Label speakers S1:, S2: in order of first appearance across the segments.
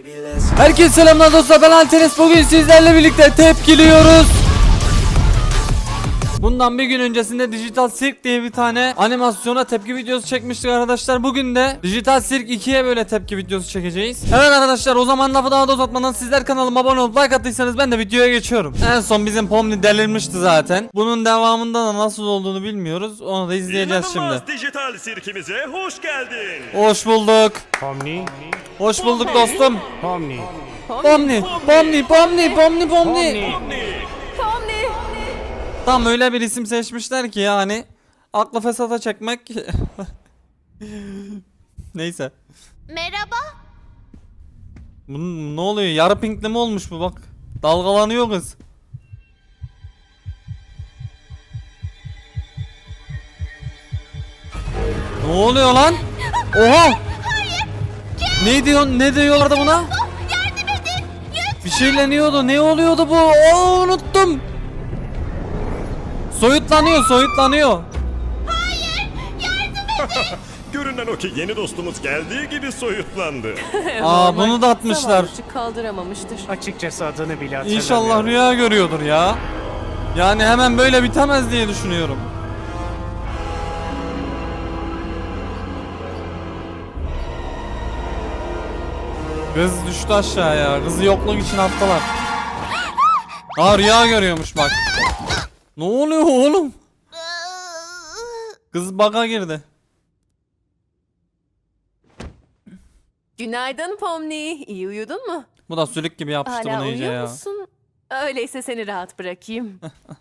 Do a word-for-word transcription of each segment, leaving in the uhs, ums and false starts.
S1: Herkese selamlar dostlar, ben Antares. Bugün sizlerle birlikte tepkiliyoruz. Bundan bir gün öncesinde Dijital Sirk diye bir tane animasyona tepki videosu çekmiştik arkadaşlar. Bugün de Dijital Sirk ikiye böyle tepki videosu çekeceğiz. Evet arkadaşlar, o zaman lafı daha da uzatmadan sizler kanalıma abone olup like attıysanız ben de videoya geçiyorum. En son bizim Pomni delirmişti zaten. Bunun devamında da nasıl olduğunu bilmiyoruz. Onu da izleyeceğiz şimdi.
S2: İnanılmaz Dijital Sirkimize hoş geldin.
S1: Hoş bulduk.
S3: Pomni,
S1: Hoş bulduk dostum.
S3: Pomni,
S1: Pomni, Pomni, Pomni, Pomni, Pomni.
S3: Pomni.
S1: Tam öyle bir isim seçmişler ki yani aklı fesata çekmek. Neyse.
S4: Merhaba.
S1: Bunun ne oluyor? Yarı pinkli mi olmuş bu, bak. Dalgalanıyor kız. Ne oluyor lan? Oha! Ne diyor? Ne diyorlardı buna?
S4: Yardım edin. Lütfen.
S1: Bir şeyleniyordu. Ne oluyordu bu? Oo, unuttum. Soyutlanıyor, soyutlanıyor.
S4: Hayır. Yardım edin.
S2: Görünen o ki yeni dostumuz geldiği gibi soyutlandı.
S1: Aa, bunu da atmışlar.
S5: Zavallıcık kaldıramamıştır.
S3: Açıkçası adını bile hatırlamıyorum.
S1: İnşallah rüya görüyordur ya. Yani hemen böyle bitemez diye düşünüyorum. Kız düştü aşağıya. Kızı yokluk için attılar. Aa, rüya görüyormuş bak. Ne oluyor oğlum? Kız bug'a girdi.
S5: Günaydın Pomni. İyi uyudun mu?
S1: Bu da sülük gibi yapıştı
S5: Hala
S1: bunu iyice
S5: uyuyor
S1: ya.
S5: musun? Öyleyse seni rahat bırakayım.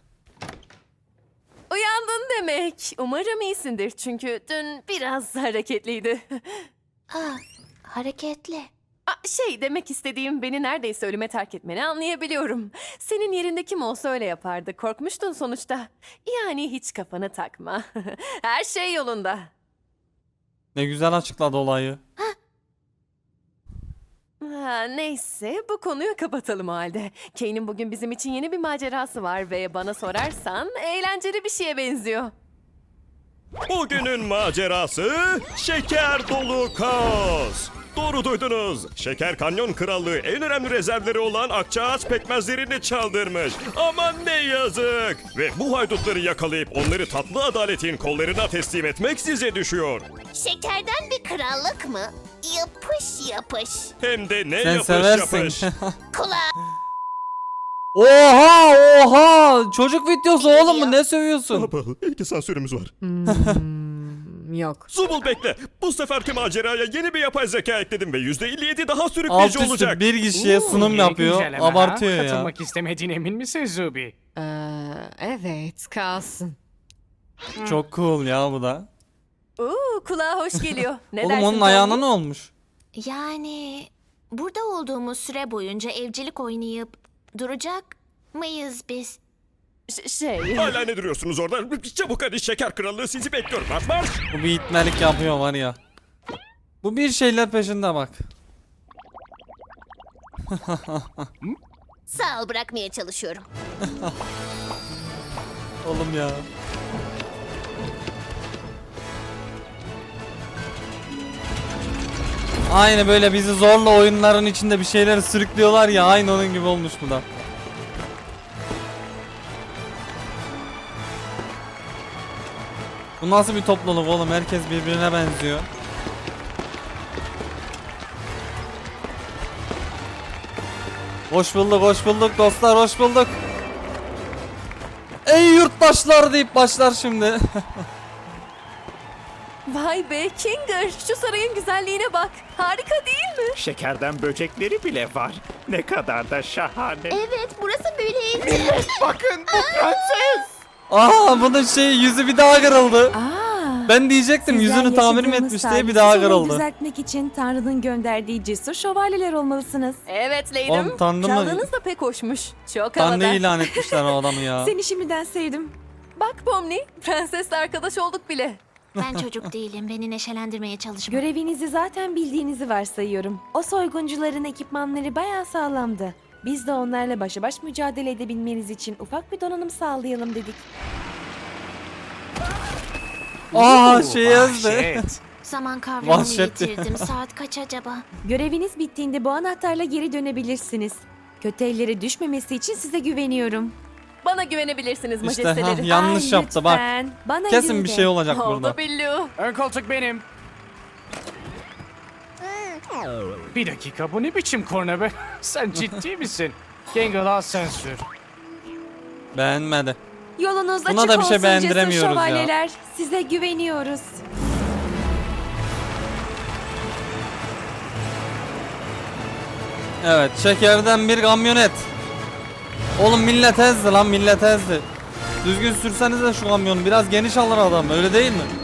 S5: Uyandın demek. Umarım iyisindir çünkü dün biraz hareketliydi.
S4: Ah, hareketli.
S5: Aa, şey demek istediğim, beni neredeyse ölüme terk etmeni anlayabiliyorum. Senin yerinde kim olsa öyle yapardı. Korkmuştun sonuçta. Yani hiç kafanı takma. Her şey yolunda.
S1: Ne güzel açıkladı olayı.
S5: Ha, neyse, bu konuyu kapatalım o halde. Kane'in bugün bizim için yeni bir macerası var ve bana sorarsan eğlenceli bir şeye benziyor.
S2: Bugünün macerası şeker dolu kaos. Doğru duydunuz. Şeker Kanyon Krallığı en önemli rezervleri olan akçaağaç pekmezlerini çaldırmış. Aman ne yazık. Ve bu haydutları yakalayıp onları tatlı adaletin kollarına teslim etmek size düşüyor.
S4: Şekerden bir krallık mı? Yapış yapış.
S2: Hem de ne
S1: Sen
S2: yapış
S1: seversin.
S2: yapış.
S4: Kulağa
S1: Oha oha! Çocuk videosu oğlum mu? Ne sövüyorsun?
S2: Baba, iki sansürümüz var.
S5: Yok.
S2: Zubul bekle. Bu seferki maceraya yeni bir yapay zeka ekledim ve yüzde elli yedi daha
S1: Alt
S2: sürükleyici
S1: üstü
S2: olacak.
S1: bir kişiye sunum
S3: Yeni
S1: yapıyor.
S3: güncelleme ha?
S1: Abartıyor ya.
S3: Katılmak istemediğine emin misin Zubi?
S5: Ee, evet, kalsın.
S1: Çok cool ya bu da.
S5: Oo, kulağa hoş geliyor. Ne
S1: Oğlum
S5: dersin
S1: onun ayağına
S5: Pomni?
S1: ne olmuş?
S4: yani burada olduğumuz süre boyunca evcilik oynayıp duracak mıyız biz?
S5: Ş- şey...
S2: Hala ne duruyorsunuz orada? Çabuk hadi şeker krallığı sizi bekliyor. Marş marş.
S1: Bu bir itmelik yapıyor var ya. Bu bir şeyler peşinde bak.
S4: Sağ ol, bırakmaya çalışıyorum.
S1: Oğlum ya. Aynı böyle bizi zorla oyunların içinde bir şeyleri sürüklüyorlar ya, aynı onun gibi olmuş bu da. Bu nasıl bir topluluk oğlum? Herkes birbirine benziyor. Hoş bulduk, hoş bulduk dostlar, hoş bulduk. Ey yurttaşlar deyip başlar şimdi.
S5: Vay be Kinger, şu sarayın güzelliğine bak. Harika değil mi?
S6: Şekerden böcekleri bile var. Ne kadar da şahane.
S4: Evet, burası böyleydi.
S6: Bakın bu prenses.
S1: Aa, bunun şey yüzü bir daha kırıldı.
S7: Aa,
S1: Ben diyecektim
S7: sizler
S1: yüzünü tamir mi
S7: yaşadığımız
S1: etmiş diye bir
S7: tarihsiz
S1: daha
S7: olayı
S1: kırıldı.
S7: düzeltmek için Tanrı'nın gönderdiği cesur şövalyeler olmalısınız.
S5: Evet Leydim.
S1: Oğlum, Tanrı mı?
S5: Çaldığınız da pek hoşmuş. Çok
S1: Tanrı
S5: havada.
S1: ilan etmişler o adamı ya.
S7: Seni şimdiden sevdim.
S5: Bak Pomni, prensesle arkadaş olduk bile.
S4: Ben çocuk değilim, beni neşelendirmeye çalışma.
S7: Görevinizi zaten bildiğinizi varsayıyorum. O soyguncuların ekipmanları bayağı sağlamdı. Biz de onlarla başa baş mücadele edebilmeniz için ufak bir donanım sağlayalım dedik.
S1: Aa, şey yazdı.
S3: Vahşet.
S4: Zaman kavramını
S1: Vahşetti.
S4: yitirdim. Saat kaç acaba?
S7: Göreviniz bittiğinde bu anahtarla geri dönebilirsiniz. Kötü ellere düşmemesi için size güveniyorum.
S5: Bana güvenebilirsiniz
S1: İşte
S5: majesteleri.
S1: ha, yanlış
S7: Ay,
S1: yaptı bak.
S7: lütfen. Bana
S1: Kesin
S7: izin
S1: bir
S7: de.
S1: şey olacak burada.
S5: Oldu Billu.
S3: Ön koltuk benim. Bir dakika, bu ne biçim korna be? Sen ciddi misin? Gangle, al sen sür.
S1: Beğenmedi.
S7: Yolunuz
S1: Buna
S7: açık
S1: da bir şey
S7: olsun
S1: beğendiremiyoruz
S7: cesur
S1: ya.
S7: şövalyeler. Size güveniyoruz.
S1: Evet, şekerden bir kamyonet. Oğlum millet ezdi lan, millet ezdi. Düzgün sürseniz de şu kamyonu, biraz geniş alır adam, öyle değil mi?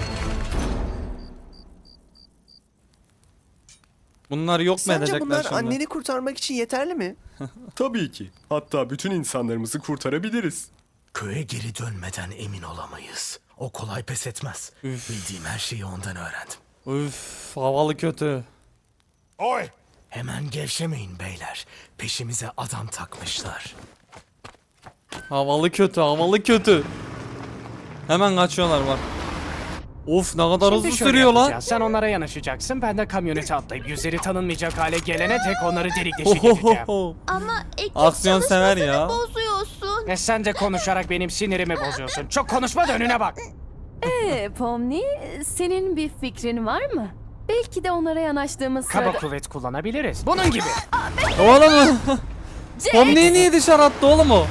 S1: Bunlar yok mu
S8: Sence
S1: edecekler
S8: bunlar
S1: şimdi?
S8: anneni kurtarmak için yeterli mi?
S9: Tabii ki. Hatta bütün insanlarımızı kurtarabiliriz.
S10: Köye geri dönmeden emin olamayız. O kolay pes etmez.
S1: Üf.
S10: Bildiğim her şeyi ondan öğrendim.
S1: Üf, havalı kötü.
S10: Oy! Hemen gevşemeyin beyler. Peşimize adam takmışlar.
S1: Havalı kötü, havalı kötü. Hemen kaçıyorlar bak. Of, ne kadar hızlı
S3: Şimdi şöyle
S1: sürüyor lan.
S3: yapacağız. Sen onlara yanaşacaksın. Ben de kamyonete atlayıp yüzleri tanınmayacak hale gelene tek onları delik deşik edeceğim.
S1: Ohohoho.
S4: Ama ekip
S1: Aksiyon sever
S4: çalışmasını
S1: ya.
S4: bozuyorsun.
S3: E sen de konuşarak benim sinirimi bozuyorsun. Çok konuşma da önüne bak.
S5: Ee, Pomni, senin bir fikrin var mı? Belki de onlara yanaştığımız
S3: Kaba
S5: sırada...
S3: kuvvet kullanabiliriz. Bunun gibi.
S1: Oğlum. Pomni'yi niye dışarı attı oğlum o?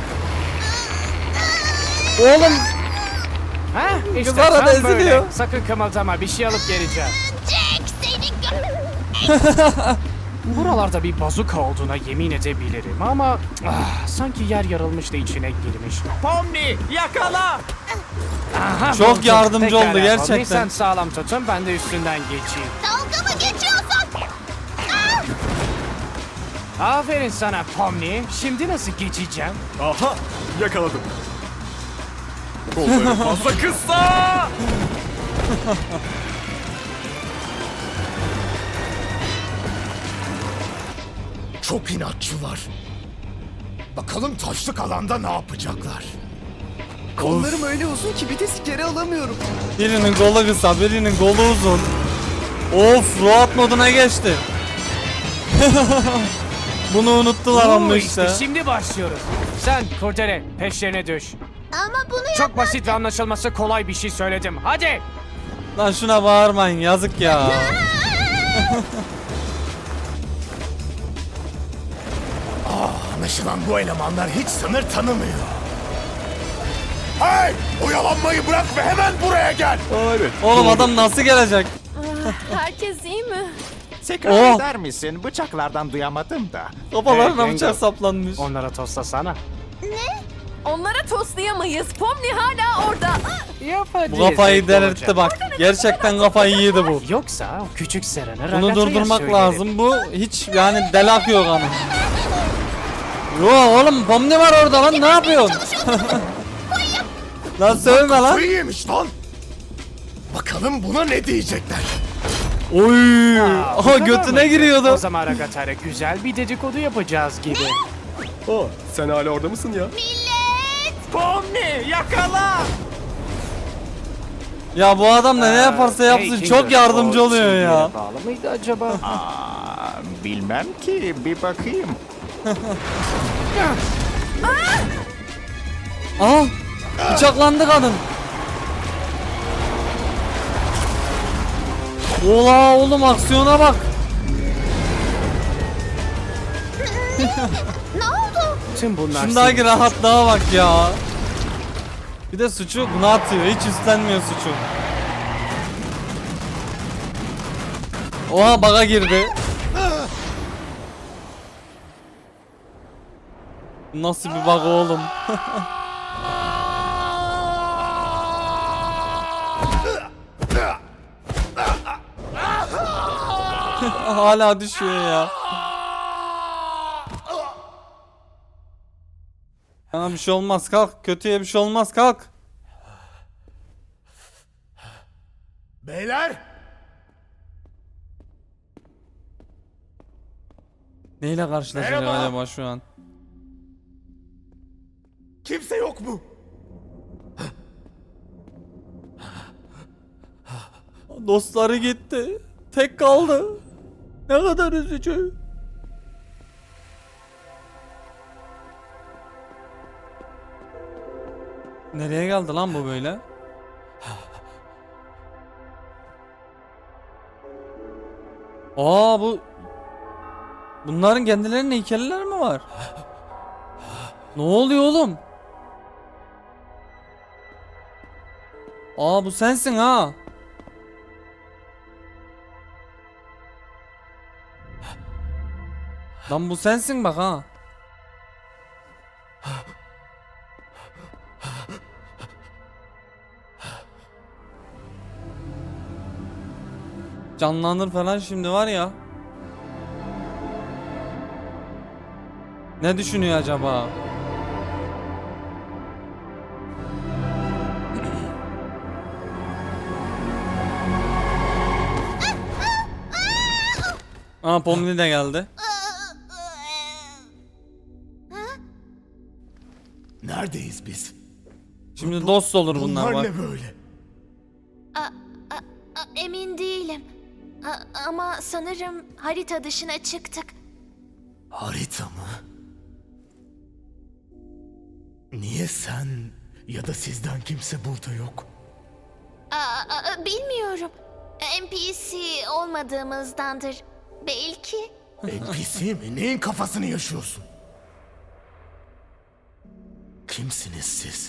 S1: Oğlum.
S3: Ha? İşte
S1: Kız arada
S3: tam böyle.
S1: eziliyor.
S3: Sakın kımıldama, bir şey alıp geleceğim.
S4: Jack seni gö-
S3: Buralarda bir bazuka olduğuna yemin edebilirim ama ah, sanki yer yarılmış da içine girmiş.
S6: Pomni yakala!
S3: Aha,
S1: Çok
S3: buldum.
S1: yardımcı
S3: Pekala,
S1: oldu
S3: Pomni,
S1: gerçekten.
S3: sen sağlam tutun, ben de üstünden geçeyim.
S4: Dalga mı geçiyorsun?
S3: Aferin sana Pomni. Şimdi nasıl geçeceğim?
S9: Aha! Yakaladım. Kolları fazla kısa!
S10: Çok inatçılar. Bakalım taşlık alanda ne yapacaklar?
S8: Kollarım öyle uzun ki bir de geri alamıyorum.
S1: Birinin kolu kısa, birinin kolu uzun. Of, rahat moduna geçti. Bunu unuttular ama
S3: Oo,
S1: işte.
S3: şimdi başlıyoruz. Sen Kurdele peşlerine düş.
S4: Ama bunu
S3: Çok basit ve anlaşılması kolay bir şey söyledim. Hadi.
S1: Lan şuna bağırmayın, yazık ya.
S10: Anlaşılan bu elemanlar hiç sınır tanımıyor. Hey! Oyalanmayı bırak ve hemen buraya gel.
S9: Aa, evet.
S1: Oğlum adam nasıl gelecek?
S5: Herkes iyi mi?
S6: Tekrar
S1: Oh!
S6: eder misin? Bıçaklardan duyamadım da.
S1: Kafalarına
S3: Hey,
S1: bıçak
S3: Yengo.
S1: saplanmış.
S3: Onlara tostasana.
S5: Onlara toslayamayız. Pomni hala orada.
S3: Yap hadi.
S1: Bu kafayı
S3: zevkli
S1: delirtti
S3: olacak.
S1: bak. Gerçekten kafayı yedi bu.
S3: Yoksa o küçük Seren'i
S1: Bunu
S3: Ragata'ya
S1: durdurmak
S3: söylerim.
S1: lazım. Bu hiç yani deli akıyor kanı. Yo oğlum, Pomni var orada lan, ne yapıyorsun? Lan sövme lan.
S10: Kafayı yemiş lan. Bakalım buna ne diyecekler.
S1: Oy.
S3: Aa, bu
S1: Aha
S3: kadar
S1: götüne
S3: mıydı? O
S1: giriyordu.
S3: zaman Ragata'yla güzel bir dedikodu yapacağız gibi.
S9: Aa, sen hala orada mısın ya?
S6: Pomni yakala!
S1: Ya bu adam da ne yaparsa yapsın
S3: Hey,
S1: çok
S3: Kinger,
S1: yardımcı
S3: o
S1: oluyor
S3: çizgiye
S1: ya.
S3: Bağlı mıydı acaba?
S6: Aa, bilmem ki, bir bakayım.
S1: Aha. Bıçaklandı kadın. Ola oğlum, aksiyona bak.
S4: ne oldu?
S3: Tüm bunlar
S1: Şundaki
S3: senin
S1: rahatlığa bak ya. Bir de suçu buna atıyor. Hiç üstlenmiyor suçu. Oha, baga girdi. Nasıl bir bug oğlum? Hala düşüyor ya. Sana bir şey olmaz, kalk. Kötüye bir şey olmaz, kalk.
S10: Beyler!
S1: Neyle karşılaşacak
S10: Merhaba.
S1: acaba şu an?
S10: Kimse yok mu?
S1: Dostları gitti. Tek kaldı. Ne kadar üzücü. Nereye geldi lan bu böyle? Aa bu... Bunların kendilerinin heykelleri mi var? Ne oluyor oğlum? Aa bu sensin ha. Lan bu sensin bak ha. Canlanır falan şimdi var ya. Ne düşünüyor acaba? Aa Pomni de geldi.
S10: Neredeyiz biz?
S1: Şimdi dost olur bunlar bak.
S10: ne böyle?
S4: A, a, a, emin değilim. A, ama sanırım harita dışına çıktık.
S10: Harita mı? Niye sen ya da sizden kimse burada yok?
S4: A, a, bilmiyorum. N P C olmadığımızdandır. Belki.
S10: N P C mi? Neyin kafasını yaşıyorsun? Kimsiniz siz?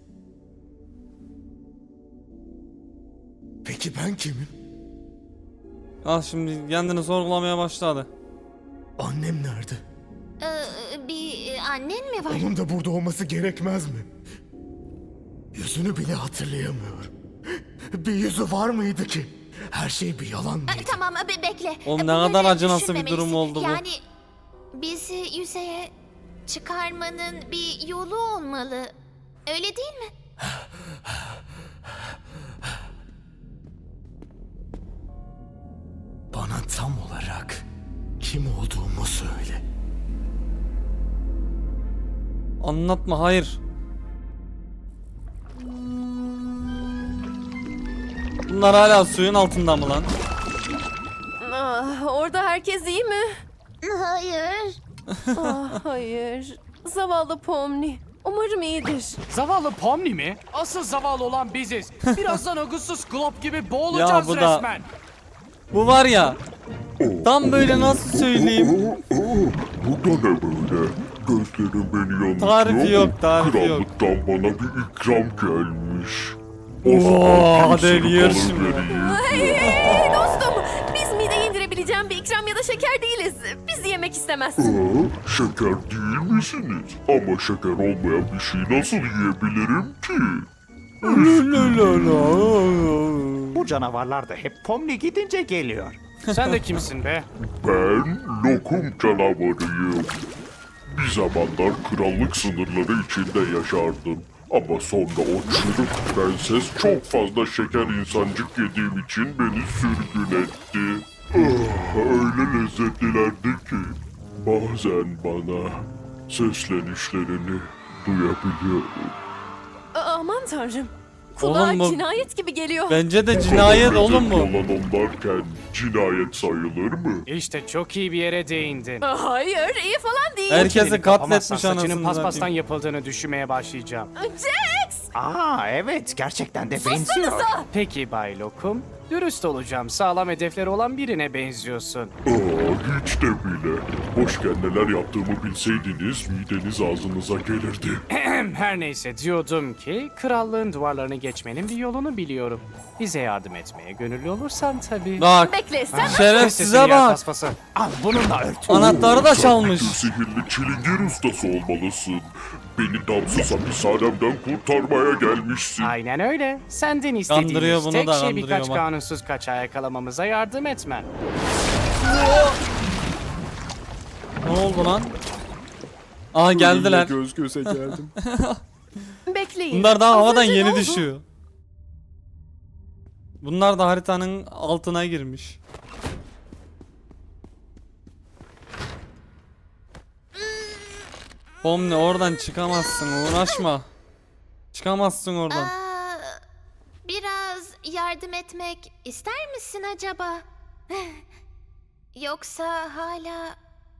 S10: Peki ben kimim?
S1: Al şimdi kendini sorgulamaya başladı.
S10: Annem nerede?
S4: Ee, bir annen mi var?
S10: Onun da burada olması gerekmez mi? Yüzünü bile hatırlayamıyorum. Bir yüzü var mıydı ki? Her şey bir yalan mıydı?
S4: Ee, tamam be- bekle.
S1: Oğlum ne
S4: Bunları
S1: kadar acınası bir
S4: düşünmemelisin.
S1: durum oldu bu.
S4: Yani bizi yüzeye çıkarmanın bir yolu olmalı. Öyle değil mi?
S10: Bana tam olarak kim olduğumu söyle.
S1: Anlatma hayır. Bunlar hala suyun altında mı lan?
S5: Ah, orada herkes iyi mi?
S4: Hayır.
S5: Ah, hayır. Zavallı Pomni. Umarım iyidir.
S3: Zavallı Pomni mi? Asıl zavallı olan biziz. Birazdan Augustus Glob gibi boğulacağız
S1: Ya bu da-
S3: resmen.
S1: Bu var ya. Tam böyle nasıl söyleyeyim?
S11: Bu da ne böyle? Gözlerim beni yanıltıyor.
S1: Tarifi yok, tarifi yok.
S11: Krallıktan bana bir ikram gelmiş.
S1: Oo, hadi
S11: Kimsenin
S1: yer
S11: kalır
S1: şimdi.
S11: vereyim.
S5: Hey, hey, dostum. Biz mideye indirebileceğim bir ikram ya da şeker değiliz. Bizi yemek istemezsin.
S11: Aa, şeker değil misiniz? Ama şeker olmayan bir şey nasıl yiyebilirim ki?
S6: Bu canavarlar da hep Pomni gidince geliyor.
S3: Sen de kimsin be?
S11: Ben lokum canavarıyım. Bir zamanlar krallık sınırları içinde yaşardım. Ama sonra o çürük prenses çok fazla şeker insancık yediğim için beni sürgün etti. Ah, öyle lezzetlilerdi ki bazen bana seslenişlerini duyabiliyorum.
S5: Aa, aman tanrım. Kulağa
S1: Oğlum bu-
S5: cinayet gibi geliyor.
S1: Bence de cinayet oğlum bu.
S11: Olan onlarken cinayet sayılır mı?
S3: İşte çok iyi bir yere değindin.
S5: Aa, hayır, iyi falan değil.
S1: Herkesi
S3: Çeneni kapamazsan
S1: katletmiş
S3: saçının
S1: anasını
S3: paspastan
S1: satayım.
S3: yapıldığını düşünmeye başlayacağım.
S5: Jax!
S6: Aa evet gerçekten de benziyor.
S3: Peki Bay Lokum, dürüst olacağım. Sağlam hedefleri olan birine benziyorsun.
S11: Aa, hiç de bile. Boşken neler yaptığımı bilseydiniz mideniz ağzınıza gelirdi.
S3: Her neyse diyordum ki krallığın duvarlarını geçmenin bir yolunu biliyorum. Bize yardım etmeye gönüllü olursan tabii.
S1: Bak
S5: Bekle, sen
S1: şerefsize
S3: Sesini yer
S1: bak.
S3: paspası.
S6: Al bununla ört.
S1: Anahtarı da çalmış.
S11: Bir sihirli çilingir ustası olmalısın. Beni damsız hapishanemden kurtarmaya gelmişsin.
S3: Aynen öyle. Senden
S1: Kandırıyor
S3: istediğimiz
S1: bunu
S3: tek
S1: da,
S3: şey
S1: kandırıyor
S3: birkaç
S1: bak.
S3: kanunsuz kaçağı yakalamamıza yardım etmen.
S1: Ne oldu lan? Aa geldiler.
S9: Göz göze geldim.
S5: bekleyin.
S1: Bunlar daha
S5: Az
S1: havadan
S5: önce ne
S1: yeni
S5: oldu?
S1: düşüyor. Bunlar da haritanın altına girmiş. Pomni oradan çıkamazsın, uğraşma. Çıkamazsın oradan.
S4: Aa, biraz yardım etmek ister misin acaba? Yoksa hala...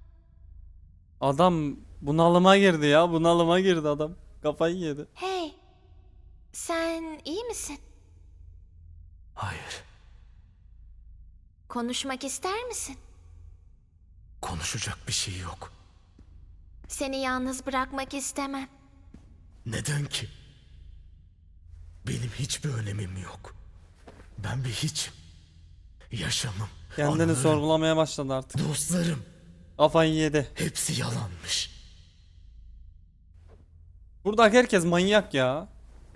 S1: Adam bunalıma girdi ya. Bunalıma girdi adam. Kafayı yedi.
S4: Hey, sen iyi misin?
S10: Hayır,
S4: Konuşmak ister misin?
S10: konuşacak bir şey yok.
S4: Seni yalnız bırakmak istemem.
S10: Neden ki? Benim hiçbir önemim yok. Ben bir hiçim. Yaşamım,
S1: Kendini
S10: anılarım,
S1: sorgulamaya başladı artık.
S10: dostlarım
S1: Kafayı yedi.
S10: hepsi yalanmış.
S1: Buradaki herkes manyak ya.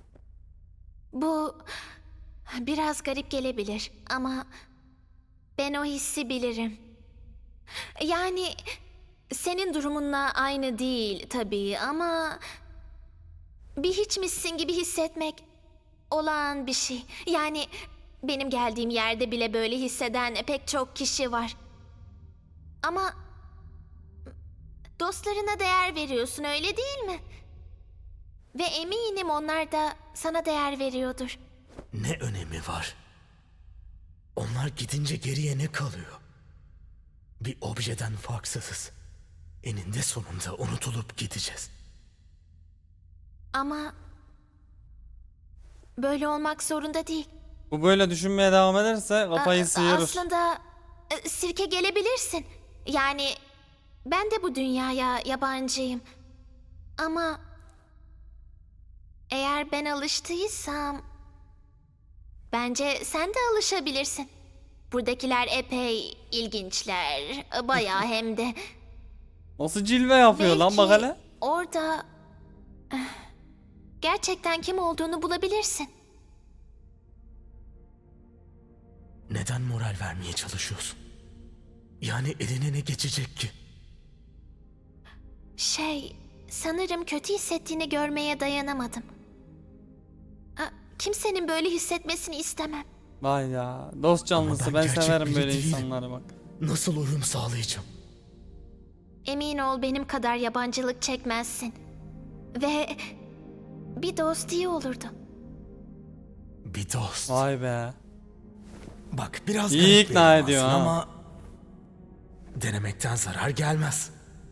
S4: Bu biraz garip gelebilir ama ben o hissi bilirim. Yani senin durumunla aynı değil tabii ama bir hiçmişsin gibi hissetmek olağan bir şey. Yani benim geldiğim yerde bile böyle hisseden pek çok kişi var. Ama dostlarına değer veriyorsun, öyle değil mi? Ve eminim onlar da sana değer veriyordur.
S10: Ne önemi var? Onlar gidince geriye ne kalıyor? Bir objeden farksızız. Eninde sonunda unutulup gideceğiz.
S4: Ama böyle olmak zorunda değil.
S1: Bu böyle düşünmeye devam ederse kafayı
S4: A-
S1: sıyırır.
S4: Aslında e, sirke gelebilirsin. Yani ben de bu dünyaya yabancıyım. Ama eğer ben alıştıysam bence sen de alışabilirsin. Buradakiler epey ilginçler. Bayağı hem de.
S1: Nasıl cilve yapıyor lan bak hele.
S4: Orada eh, gerçekten kim olduğunu bulabilirsin.
S10: Neden moral vermeye çalışıyorsun? Yani eline ne geçecek ki?
S4: Şey, sanırım kötü hissettiğini görmeye dayanamadım. Aa, kimsenin böyle hissetmesini istemem.
S1: Vay ya. Dost canlısı,
S10: ben
S1: ben,
S10: gerçek
S1: severim
S10: biri
S1: böyle
S10: değilim.
S1: insanları bak.
S10: Nasıl uyum sağlayacağım?
S4: Emin ol benim kadar yabancılık çekmezsin. Ve bir dost iyi olurdu.
S10: Bir dost.
S1: Vay be.
S10: Bak biraz
S1: İyi
S10: garip
S1: ikna
S10: benim
S1: ediyor
S10: aslında
S1: ha.
S10: ama denemekten zarar gelmez.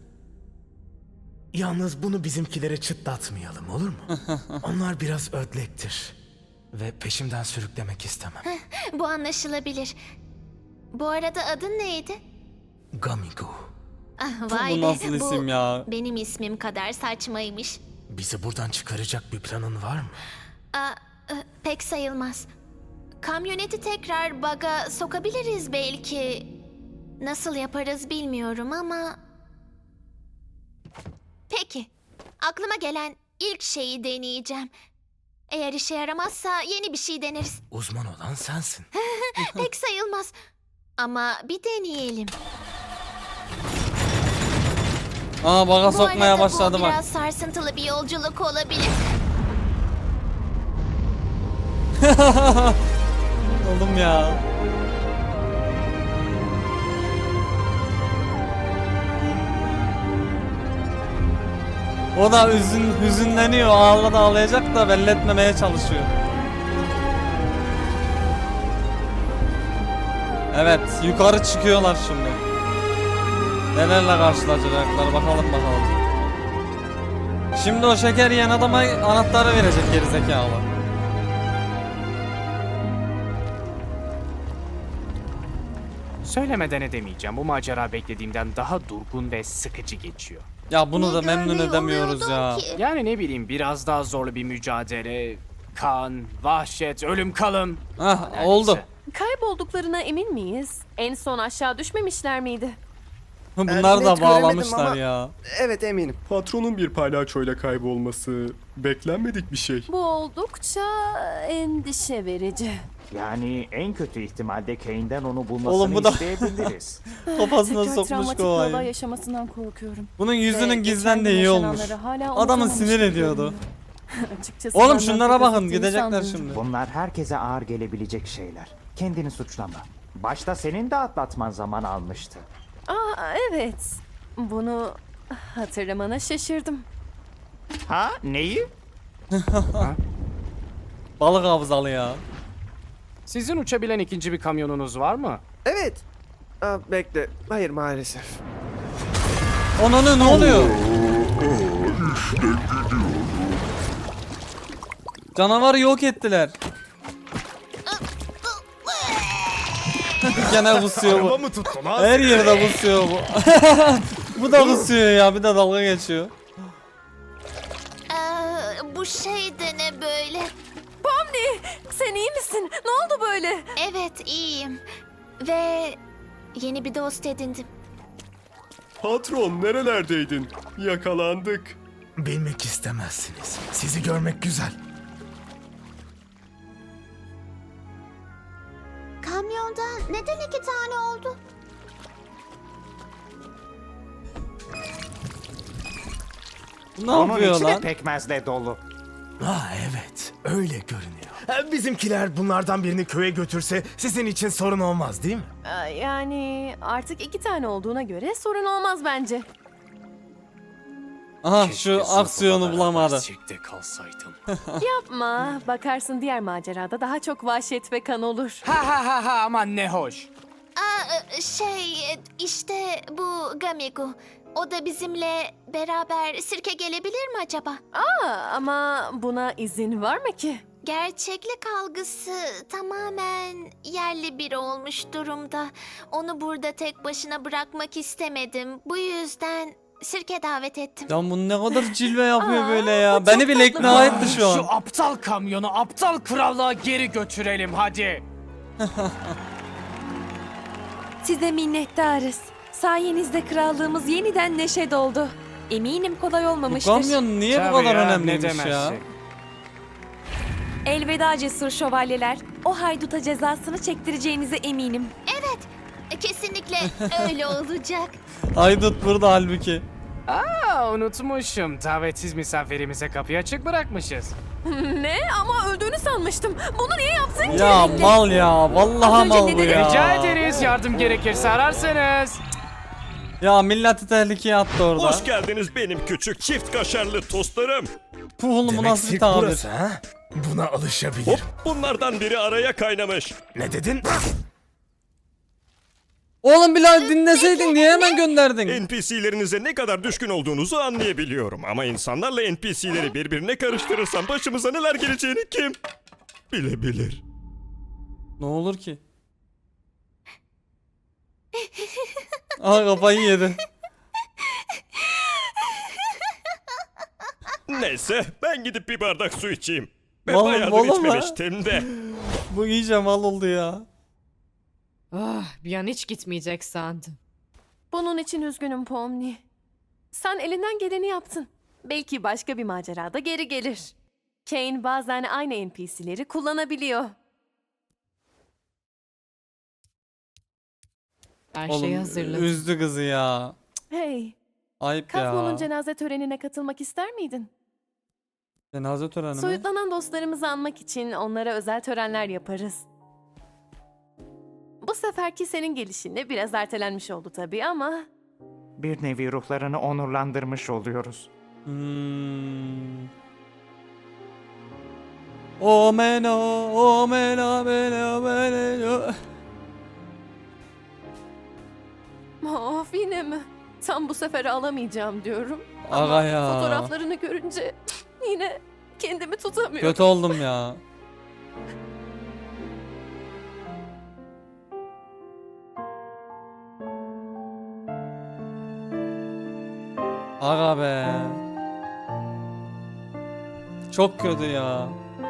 S10: Yalnız bunu bizimkilere çıtlatmayalım, olur mu? Onlar biraz ödlektir ve peşimden sürüklemek istemem.
S4: Bu anlaşılabilir. Bu arada adın neydi?
S10: Gamigo,
S4: Ah, vay
S1: Bu
S4: be,
S1: nasıl isim ya?
S4: benim ismim kadar saçmaymış.
S10: bizi buradan çıkaracak bir planın var mı?
S4: Aa, e, pek sayılmaz. Kamyoneti tekrar baga sokabiliriz belki. Nasıl yaparız bilmiyorum ama... Peki. Aklıma gelen ilk şeyi deneyeceğim. Eğer işe yaramazsa yeni bir şey deneriz.
S10: Uzman olan sensin.
S4: Pek sayılmaz. Ama bir deneyelim.
S1: Aa baga
S4: Bu
S1: sokmaya
S4: arada
S1: başladı
S4: bu
S1: bak.
S4: biraz sarsıntılı bir yolculuk olabilir.
S1: Oğlum ya. O da üzün, hüzünleniyor. Ağla da ağlayacak da belli etmemeye çalışıyor. Evet, yukarı çıkıyorlar şimdi. Nelerle karşılaşacaklar bakalım bakalım. Şimdi o şeker yiyen adama anahtarı verecek gerizekalı.
S3: Söylemeden edemeyeceğim. Bu macera beklediğimden daha durgun ve sıkıcı geçiyor.
S1: Ya bunu
S4: Ne
S1: da memnun
S4: görmeyi
S1: edemiyoruz ya.
S4: umuyordum ki?
S3: Yani ne bileyim biraz daha zorlu bir mücadele, kan, vahşet, ölüm kalım.
S1: Hah
S3: Neredeyse.
S1: oldu.
S5: Kaybolduklarına emin miyiz? En son aşağı düşmemişler miydi?
S1: Bunlar
S8: Ee,
S1: da
S8: net göremedim
S1: bağlamışlar
S8: ama-
S1: ya.
S8: Evet eminim.
S9: Patronun bir palyaçoyla kaybolması beklenmedik bir şey.
S5: Bu oldukça endişe verici.
S6: Yani en kötü ihtimalde Kane'den onu bulmasını
S1: Oğlum bu da-
S6: isteyebiliriz.
S1: Kafasına
S5: Tekrar
S1: sokmuş
S5: travmatik bir olay
S1: kovayı.
S5: yaşamasından korkuyorum.
S1: Bunun
S5: Ve
S1: yüzünün
S5: geçen
S1: gizlen
S5: gün
S1: de iyi olmuş.
S5: yaşananları hala
S1: Adamı
S5: unutamamış
S1: sinir
S5: gibi
S1: ediyordu.
S5: görünüyor. Açıkçası
S1: Oğlum
S5: benden
S1: şunlara
S5: pek
S1: bakın
S5: ettiğini
S1: gidecekler
S5: sanmıyorum.
S1: şimdi.
S6: Bunlar herkese ağır gelebilecek şeyler. Kendini suçlama. Başta senin de atlatman zaman almıştı.
S5: Aa evet. Bunu hatırlamana şaşırdım.
S6: Ha? Neyi?
S1: Balık hafızalı ya.
S3: Sizin uçabilen ikinci bir kamyonunuz var mı?
S8: Evet. Aa, bekle. Hayır maalesef.
S1: Ananı ne oluyor? Canavarı yok ettiler. Gene kusuyor
S10: Araba
S1: bu.
S10: mı tuttun ha?
S1: Her yerde kusuyor bu. Bu da kusuyor ya, bir de dalga geçiyor.
S4: Ee, bu şey de ne böyle?
S5: Pomni, sen iyi misin? Ne oldu böyle?
S4: Evet, iyiyim. Ve yeni bir dost edindim.
S9: Patron nerelerdeydin? Yakalandık.
S10: Bilmek istemezsiniz. Sizi görmek güzel.
S4: Kamyondan neden iki tane oldu?
S1: Ne
S6: Onun
S1: yapıyor
S6: içi de
S1: lan?
S6: pekmezle dolu.
S10: Ha evet, öyle görünüyor. Ha, bizimkiler bunlardan birini köye götürse sizin için sorun olmaz değil mi?
S5: Aa, Yani artık iki tane olduğuna göre sorun olmaz bence.
S1: Aha
S3: Keşke
S1: şu
S3: sınıfa
S1: aksiyonu
S3: beraber
S1: bulamadı.
S3: Çekte kalsaydım.
S5: Yapma. Bakarsın diğer macerada daha çok vahşet ve kan olur.
S3: Ha ha ha ha aman ne hoş.
S4: Aa, şey, işte bu Gamigu. O da bizimle beraber sirke gelebilir mi acaba?
S5: Aa, ama buna izin var mı ki?
S4: Gerçeklik algısı tamamen yerli biri olmuş durumda. Onu burada tek başına bırakmak istemedim. Bu yüzden sirke davet ettim.
S1: Ya bu ne kadar cilve yapıyor
S5: Aa,
S1: böyle
S5: bu
S1: ya.
S5: çok
S1: Beni bile
S5: tatlı.
S1: ikna etti şu
S3: Şu
S1: an.
S3: aptal kamyonu aptal krallığa geri götürelim hadi.
S7: Size minnettarız. Sayenizde krallığımız yeniden neşe doldu. Eminim kolay
S1: Bu
S7: olmamıştır.
S1: kamyon niye bu
S3: Tabii
S1: kadar
S3: ya,
S1: önemliymiş
S3: ne
S1: ya?
S3: demezsin.
S7: Elveda cesur şövalyeler. O hayduta cezasını çektireceğinize eminim.
S4: Evet, kesinlikle öyle olacak.
S1: Haydut burada halbuki.
S3: Aa, unutmuşum. Davetsiz misafirimize kapıyı açık bırakmışız.
S5: Ne? Ama öldüğünü sanmıştım. Bunu niye yaptın ki?
S1: Ya mal ya. Vallahi
S7: Az önce
S1: mal
S7: ne
S1: bu
S7: dedin?
S1: ya.
S3: Rica ederiz. Yardım gerekirse ararsınız.
S1: Ya milleti tehlikeye attı orada.
S2: Hoş geldiniz benim küçük çift kaşarlı tostlarım.
S1: Puh oğlum bu
S10: Demek
S1: nasıl bir
S10: sirk
S1: tabir?
S10: burası ha? Buna alışabilirim.
S2: Hop, bunlardan biri araya kaynamış.
S10: Ne dedin?
S1: Oğlum Bilal dinleseydin niye hemen gönderdin?
S2: N P C'lerinize ne kadar düşkün olduğunuzu anlayabiliyorum. Ama insanlarla N P C'leri birbirine karıştırırsam başımıza neler geleceğini kim bilebilir.
S1: Ne olur ki? Aha kafayı yedi.
S2: Neyse ben gidip bir bardak su içeyim. Ben
S1: Oğlum,
S2: bayağıdır
S1: oğlum ha.
S2: içmemiştim de.
S1: Bu iyice mal oldu ya.
S12: Ah, bir an hiç gitmeyecek sandım.
S5: Bunun için üzgünüm Pomni. Sen elinden geleni yaptın. Belki başka bir macerada geri gelir. Kane bazen aynı N P C'leri kullanabiliyor.
S12: Her şeyi
S1: Oğlum
S12: hazırladım.
S1: üzdü kızı ya.
S5: Hey,
S1: Ayıp ya.
S5: Kafmon'un cenaze törenine katılmak ister miydin?
S1: Cenaze töreni mi?
S5: Soyutlanan dostlarımızı anmak için onlara özel törenler yaparız. Bu seferki senin gelişinle biraz ertelenmiş oldu tabii ama...
S6: Bir nevi ruhlarını onurlandırmış oluyoruz.
S1: Hmm. O mena, o mena, mena, mena.
S5: Of yine mi? Tam bu sefer alamayacağım diyorum.
S1: Aga
S5: Ama
S1: ya.
S5: fotoğraflarını görünce yine kendimi tutamıyorum.
S1: Kötü oldum ya. Aga be. Çok kötü ya.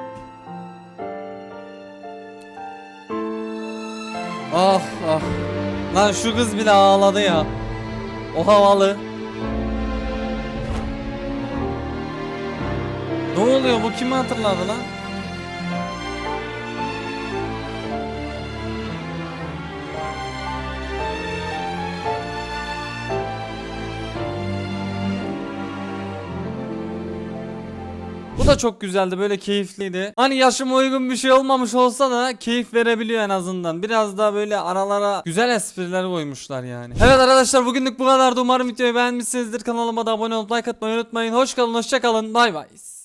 S1: Ah ah. Lan şu kız bile ağladı ya. O havalı. Ne oluyor, bu kimi hatırladı lan? Bu da çok güzeldi, böyle keyifliydi. Hani yaşıma uygun bir şey olmamış olsa da keyif verebiliyor en azından. Biraz daha böyle aralara güzel espriler koymuşlar yani. Evet arkadaşlar, bugünlük bu kadardı. Umarım videoyu beğenmişsinizdir. Kanalıma da abone olup like atmayı unutmayın. Hoş kalın, hoşça kalın. Bay bay.